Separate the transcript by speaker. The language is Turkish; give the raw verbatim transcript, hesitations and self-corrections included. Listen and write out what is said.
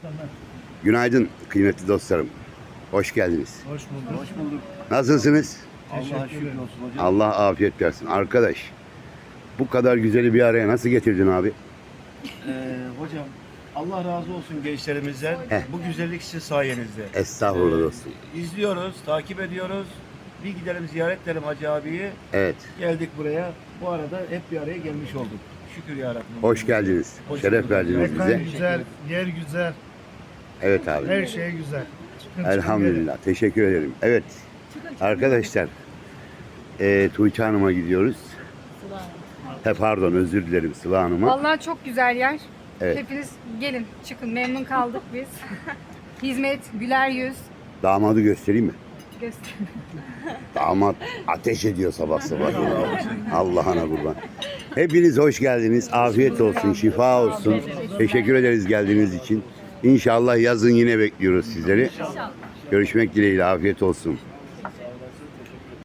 Speaker 1: Günaydın kıymetli dostlarım. Hoş geldiniz.
Speaker 2: Hoş bulduk. Hoş bulduk.
Speaker 1: Nasılsınız?
Speaker 2: Allah'a şükür olsun hocam.
Speaker 1: Allah afiyet versin. Arkadaş, bu kadar güzeli bir araya nasıl getirdin abi?
Speaker 2: Ee, hocam Allah razı olsun gençlerimizden.
Speaker 1: Heh.
Speaker 2: Bu güzellik sizin sayenizde.
Speaker 1: Estağfurullah dostum.
Speaker 2: İzliyoruz, takip ediyoruz. Bir gidelim ziyaret edelim Hacı abiyi.
Speaker 1: Evet.
Speaker 2: Geldik buraya. Bu arada hep bir araya gelmiş olduk. Şükür ya Rabbim.
Speaker 1: Hoş geldiniz.
Speaker 2: Hoş
Speaker 1: Şeref
Speaker 2: bulduk.
Speaker 1: verdiniz
Speaker 3: Mekan
Speaker 1: bize.
Speaker 3: güzel, yer güzel,
Speaker 1: Evet abi.
Speaker 3: her şey güzel. Çıkın, çıkın
Speaker 1: Elhamdülillah. Teşekkür ederim. Evet. Arkadaşlar, e, Tuğçe Hanım'a gidiyoruz. He, pardon, özür dilerim Sıla Hanım'a.
Speaker 4: Vallahi çok güzel yer.
Speaker 1: Evet.
Speaker 4: Hepiniz gelin, çıkın. Memnun kaldık biz. Hizmet, güler yüz.
Speaker 1: Damadı göstereyim mi?
Speaker 4: Göster.
Speaker 1: Damat ateş ediyor sabah sabah. Allah'ına kurban. Hepiniz hoş geldiniz. Afiyet olsun, şifa olsun. Teşekkür ederiz geldiğiniz için. İnşallah yazın yine bekliyoruz sizleri. Görüşmek dileğiyle. Afiyet olsun.